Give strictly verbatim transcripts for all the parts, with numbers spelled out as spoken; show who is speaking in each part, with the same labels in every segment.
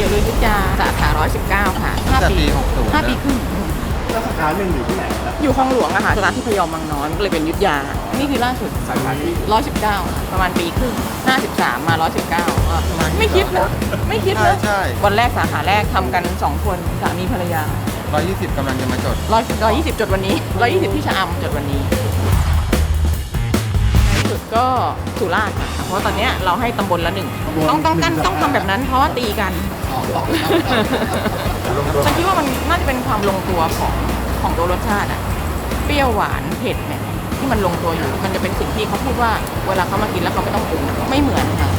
Speaker 1: ตี๋ยวเรือยุทธยาสาขาหนึ่งร้อยสิบเก้าค่ะห้าปี
Speaker 2: ปีหกสิบ
Speaker 1: ห้าปีครึ่ง
Speaker 3: แล้วสาขาหนึ่งอยู่ที่ไหนครับ
Speaker 1: อยู่คลองหลวงอะค่ะสาขาที่พยอมบางนอนก็เลยเป็นยุทธยานี่คือล่าสุด
Speaker 3: สาขาที่
Speaker 1: หนึ่งร้อยสิบเก้าประมาณปีครึ่งห้าสิบสามมาหนึ่งร้อยสิบเก้าไม่คิดนะไม่คิดนะ
Speaker 2: ใช่
Speaker 1: วันแรกสาขาแรกทำกันสองคนสามีภรรยา
Speaker 2: ร้อยยี่สิบกำลังจะมาจด
Speaker 1: ร้อยร้อยยี่สิบจดวันนี้ร้อยยี่สิบที่ชะอำจดวันนี้ในสุดก็สุราษฎร์ค่ะเพราะตอนเนี้ยเราให้ตำบลละหนึ่งต้องต้องกันต้องทำแบบนั้นเพราะว่าตีกันฉันคิดว่ามันน่าจะเป็นความลงตัวของของตัวรสชาติอะเปรี้ยวหวานเผ็ดเนี่ยที่มันลงตัวอยู่มันจะเป็นสิ่งที่เขาพูดว่าเวลาเขามากินแล้วเขาไม่ต้องปรุงไม่เหมือนค่ะ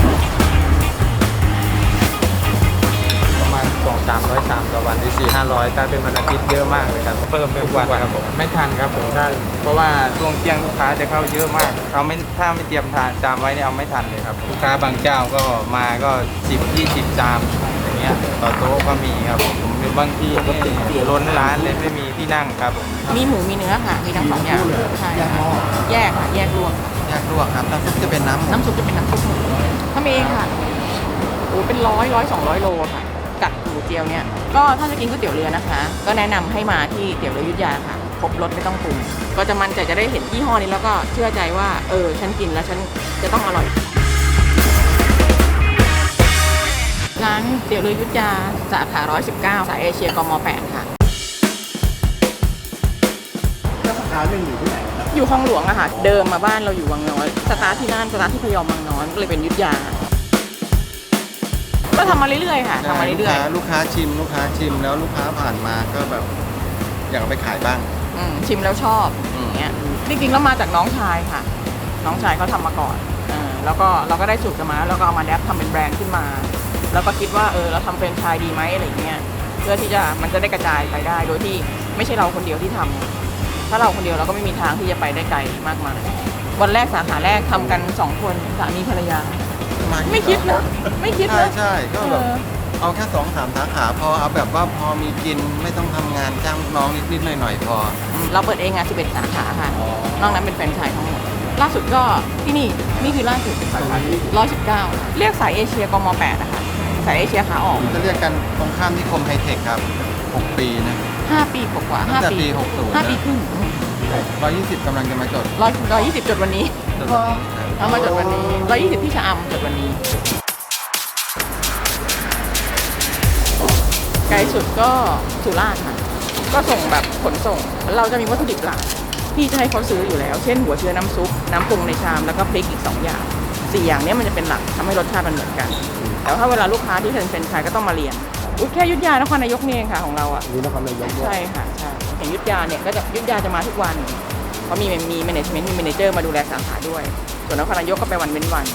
Speaker 4: ประมาณสองสามร้อยชามต่อวันที่สี่ห้าร้อยถ้าเป็นวันอาทิตย์เยอะมากเลยครับเพิ่มทุกวันครับผมไม่ทันครับผมถ้าเพราะว่าช่วงเที่ยงลูกค้าจะเข้าเยอะมากเขาไม่ถ้าไม่เตรียมทานจามไว้เนี่ยเอาไม่ทันเลยครับลูกค้าบางเจ้าก็มาก็สิบยี่สิบจามอย่างเงี้ยต่อโต๊ะก็มีครับผมหรือบางทีนี่ล้นร้านเลยไม่มีที่นั่งครับผม
Speaker 1: มีหมูมีเนื้อค่ะมีทั้งสองอย่างใช่แยกค่ะแยกรวม
Speaker 2: แยกลวกครับน้ำซุปจะเป็นน้ำ
Speaker 1: น้ำซุปจะเป็นน้ำซุปหมูทำเองค่ะโอ้เป็นร้อยร้อยสองร้อยโลค่ะกัดหมูเจียวเนี่ยก็ถ้าจะกินก๋วยเตี๋ยวเรือนะคะก็แนะนำให้มาที่เตี๋ยวเรือยุทธยาค่ะครบรสไม่ต้องปรุงก็จะมันใจจะได้เห็นยี่ห้อนี้แล้วก็เชื่อใจว่าเออฉันกินแล้วฉันจะต้องอร่อยร้านเตี๋ยวเรือยุทธยาสาขาหนึ่งร้อยสิบเก้าสายเอเชียกม.แปดค่ะ
Speaker 3: แล้วสาขาหนึ่งอยู่ที่ไหนครับ
Speaker 1: อยู่คลองหลวงอะค่ะเดิมมาบ้านเราอยู่วังน้อยสตาร์ทที่นั่นสตาร์ทที่พยอมบางน้อยก็เลยเป็นยุทธยาก็ทำมาเรื่อยๆค่ะทำมาเรื่อย
Speaker 2: ๆลูกค้าชิมลูกค้าชิมแล้วลูกค้าผ่านมาก็แบบอยากเอาไปขายบ้าง
Speaker 1: ชิมแล้วชอบอย่างเงี้ยจริงๆแล้วมาจากน้องชายค่ะน้องชายเขาทำมาก่อนแล้วก็เราก็ได้สูตรกันมาแล้วก็เอามาแดปทำเป็นแบรนด์ขึ้นมาแล้วก็คิดว่าเออเราทำแฟรนไชส์ดีไหมอะไรเงี้ยเพื่อที่จะมันจะได้กระจายไปได้โดยที่ไม่ใช่เราคนเดียวที่ทำถ้าเราคนเดียวเราก็ไม่มีทางที่จะไปได้ไกลมากมายวันแรกสาขาแรกทำกันสองคนสามีภรรยาไม่คิดนะไม่คิดนะ
Speaker 2: ใช่ก็แบบเอาแค่สองสามสาขาพอเอาแบบว่าพอมีกินไม่ต้องทำงานจ้างน้องนิดๆหน่อยๆพอ
Speaker 1: เราเปิดเองอ่ะสิบเอ็ดสาขาค่ะนอกนั้นเป็นแฟรนไชส์ทั้งหมดล่าสุดก็ที่นี่นี่คือล่าสุดสาขาที่หนึ่งร้อยสิบเก้าเรียกสายเอเชียกม.แปดนะคะสายเอเชียขาออก
Speaker 2: จะเรียกกันตรงข้ามที่คมไฮเทคครับหกปีนะ
Speaker 1: ห้าปีกว่าห้าปี
Speaker 2: หกสิบ
Speaker 1: ห้าปีครึ่ง
Speaker 2: ร้อยยี่สิบกำลังจะมาจด
Speaker 1: ร้อยร้อยยี่สิบจดวันนี้เอามาจดวันนี้ร้อยยี่สิบที่ชะอำจดวันนี้ไกลสุดก็สุราษฎร์ค่ะก็ส่งแบบขนส่งเราจะมีวัตถุดิบหลักที่จะให้เขาซื้ออยู่แล้วเช่นหัวเชื้อน้ำซุปน้ำปรุงในชามแล้วก็พริกอีกสองอย่างสี่อย่างนี้มันจะเป็นหลักทำให้รสชาติมันเหมือนกันแต่ถ้าเวลาลูกค้าที่เป็นแฟรนไชส์ก็ต้องมาเรียนอุ้ยแค่ยุทธยานครนายกนี่เองค่ะของเราอ่ะ
Speaker 3: นี่นครนายก
Speaker 1: ใช่ค่ะใช่เห็นยุทธยาเนี่ยก็จะยุทธยาจะมาทุกวันเพราะมีมีแมเนจเมนต์มีแมเนเจอร์มาดูแลสาขาด้วยส่วนนครนายกก็ไปวันเว้นวัน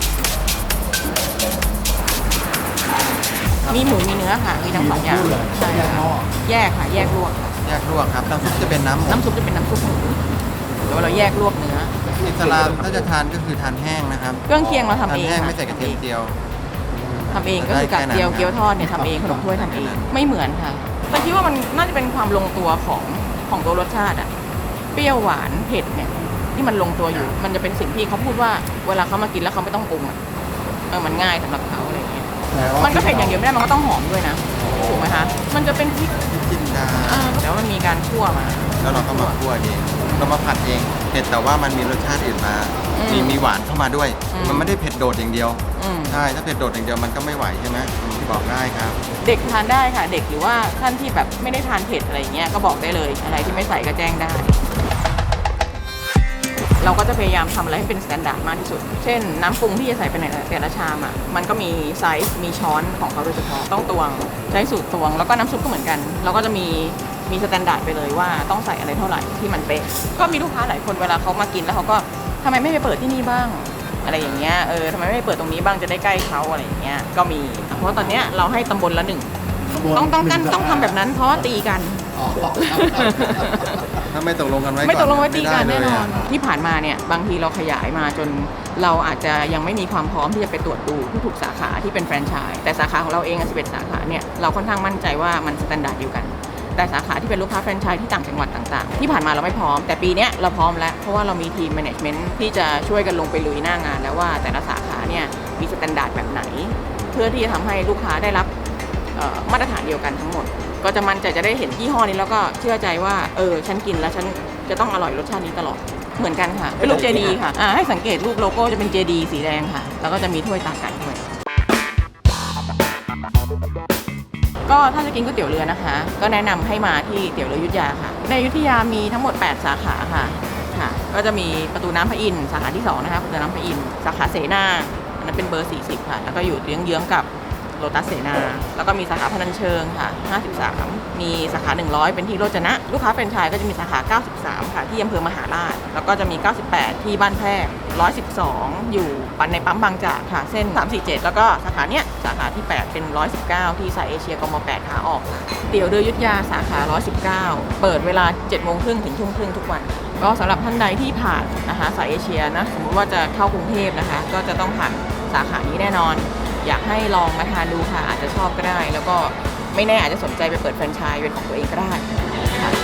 Speaker 1: มีหมูมีเนื้อค่ะมีทั้งสองอย่างใช่แยกค่ะแยกลวก
Speaker 2: แยกลวกครับน้ำซุปจะเป็นน้ำ
Speaker 1: น้ำซุปจะเป็นน้ำซุปหมูแล้วเราแยกลวกเนื้อ
Speaker 2: อิสลามถ้าจะทานก็คือทานแห้งนะครับ
Speaker 1: เครื่องเคียงเราทำเอง
Speaker 2: ทานแห้งไม่ใส่กระเทียมเจียว
Speaker 1: ทำเองก็คือกากเจียวเกี๊ยวทอดเนี่ยทำเองขนมถ้วยทำเองไม่เหมือนค่ะแต่คิดว่ามันน่าจะเป็นความลงตัวของของตัวรสชาติอะเปรี้ยวหวานเผ็ดเนี่ยที่มันลงตัวอยู่มันจะเป็นสิ่งที่เขาพูดว่าเวลาเขามากินแล้วเขาไม่ต้องปรุงอะเออมันง่ายสำหรับเขาอะไรเงี้ยมันก็เผ็ดอย่างเดียวไม่ได้มันก็ต้องหอมด้วยนะถูกไหมคะมันจะเป็นพริก
Speaker 2: จินดา
Speaker 1: แล้วมันมีการคั่วมา
Speaker 2: แล้วเราก็มาคั่วเองเรามาผัดเองเผ็ดแต่ว่ามันมีรสชาติอื่นมามีมีหวานเข้ามาด้วยมันไม่ได้เผ็ดโดดอย่างเดียวใช่ถ้าเผ็ดโดดอย่างเดียวมันก็ไม่ไหวใช่ไหมบอกได้ครับ
Speaker 1: เด็กทานได้ค่ะเด็กหรือว่าท่านที่แบบไม่ได้ทานเผ็ดอะไรเงี้ยก็บอกได้เลยอะไรที่ไม่ใส่ก็แจ้งได้เราก็จะพยายามทำอะไรให้เป็นมาตรฐานมากที่สุดเช่นน้ำปรุงที่จะใส่ไปในแต่ละชามอ่ะมันก็มีไซส์มีช้อนของเขาโดยเฉพาะต้องตวงใช้สูตรตวงแล้วก็น้ำซุปก็เหมือนกันเราก็จะมีมีมาตรฐานไปเลยว่าต้องใส่อะไรเท่าไหร่ที่มันเป๊ะก็มีลูกค้าหลายคนเวลาเขามากินแล้วเขาก็ทำไมไม่ไปเปิดที่นี่บ้างอะไรอย่างเงี้ยเออทำไมไม่ไปเปิดตรงนี้บ้างจะได้ใกล้เขาอะไรอย่างเงี้ยก็มีเพราะตอนเนี้ยเราให้ตำบลละหนึ่งต้องต้องกันต้องทำแบบนั้นเพราะตีกัน
Speaker 2: ถ้าไม่ตกลงกันไว้
Speaker 1: ไม่ตกลงไว้ตีกันแน่นอนที่ผ่านมาเนี่ยบางทีเราขยายมาจนเราอาจจะยังไม่มีความพร้อมที่จะไปตรวจดูทุกๆสาขาที่เป็นแฟรนไชส์แต่สาขาของเราเองสิบเอ็ดสาขาเนี่ยเราค่อนข้างมั่นใจว่ามันมาตรฐานเดียวกันแต่สาขาที่เป็นลูกค้าแฟรนไชส์ที่ต่างจังหวัดต่างๆที่ผ่านมาเราไม่พร้อมแต่ปีนี้เราพร้อมแล้วเพราะว่าเรามีทีมแมネจเมนต์ที่จะช่วยกันลงไปลุยหน้างานแล้วว่าแต่ละสาขาเนี่ยมีมาตรฐานแบบไหนเพื่อที่จะทำให้ลูกค้าได้รับเอ่อมาตรฐานเดียวกันทั้งหมด ก็จะมั่นใจจะได้เห็นยี่ห้อนี้แล้วก็เชื่อใจว่าเออฉันกินแล้วฉันจะต้องอร่อยรสชาตินี้ตลอดเหมือนกันค่ะเป็นรูปเจดีค่ะอ่าให้สังเกตรูปโลโก้จะเป็นเจดีสีแดงค่ะแล้วก็จะมีถ้วยตาไก่ด้วยก็ถ้าจะกินก๋วยเตี๋ยวเรือนะคะก็แนะนำให้มาที่เตี๋ยวเรืออยุธยาค่ะในอยุธยามีทั้งหมดแปดสาขาค่ะค่ะก็จะมีประตูน้ำพระอินทร์สาขาที่สองนะคะประตูน้ำพระอินทร์สาขาเสนาอันนั้นเป็นเบอร์สี่สิบค่ะแล้วก็อยู่เยื้องๆกับโลตัสเสนาแล้วก็มีสาขาพนัญเชิงค่ะห้าสิบสามมีสาขาหนึ่งร้อยเป็นที่โรจนะลูกค้าแฟรนไชส์ก็จะมีสาขาเก้าสิบสามค่ะที่อำเภอมหาราชแล้วก็จะมีเก้าสิบแปดที่บ้านแพรกหนึ่งร้อยสิบสองอยู่ปันในปั๊มบางจากค่ะเส้นสามสี่เจ็ดแล้วก็สาขาเนี้ยสาขาที่แปดเป็นหนึ่งร้อยสิบเก้าที่สายเอเชียกมแปดขาออกค่ะเตี๋ยวเรืออยุธยาสาขาหนึ่งร้อยสิบเก้าเปิดเวลาเจ็ดโมงครึ่งถึงทุ่มครึ่งทุกวันก็สำหรับท่านใดที่ผ่านนะคะสายเอเชียนะสมมติว่าจะเข้ากรุงเทพนะคะก็จะต้องผ่านสาขานี้แน่นอนอยากให้ลองมาทานดูค่ะอาจจะชอบก็ได้แล้วก็ไม่แน่อาจจะสนใจไปเปิดแฟรนไชส์เป็นของตัวเองก็ได้ค่ะ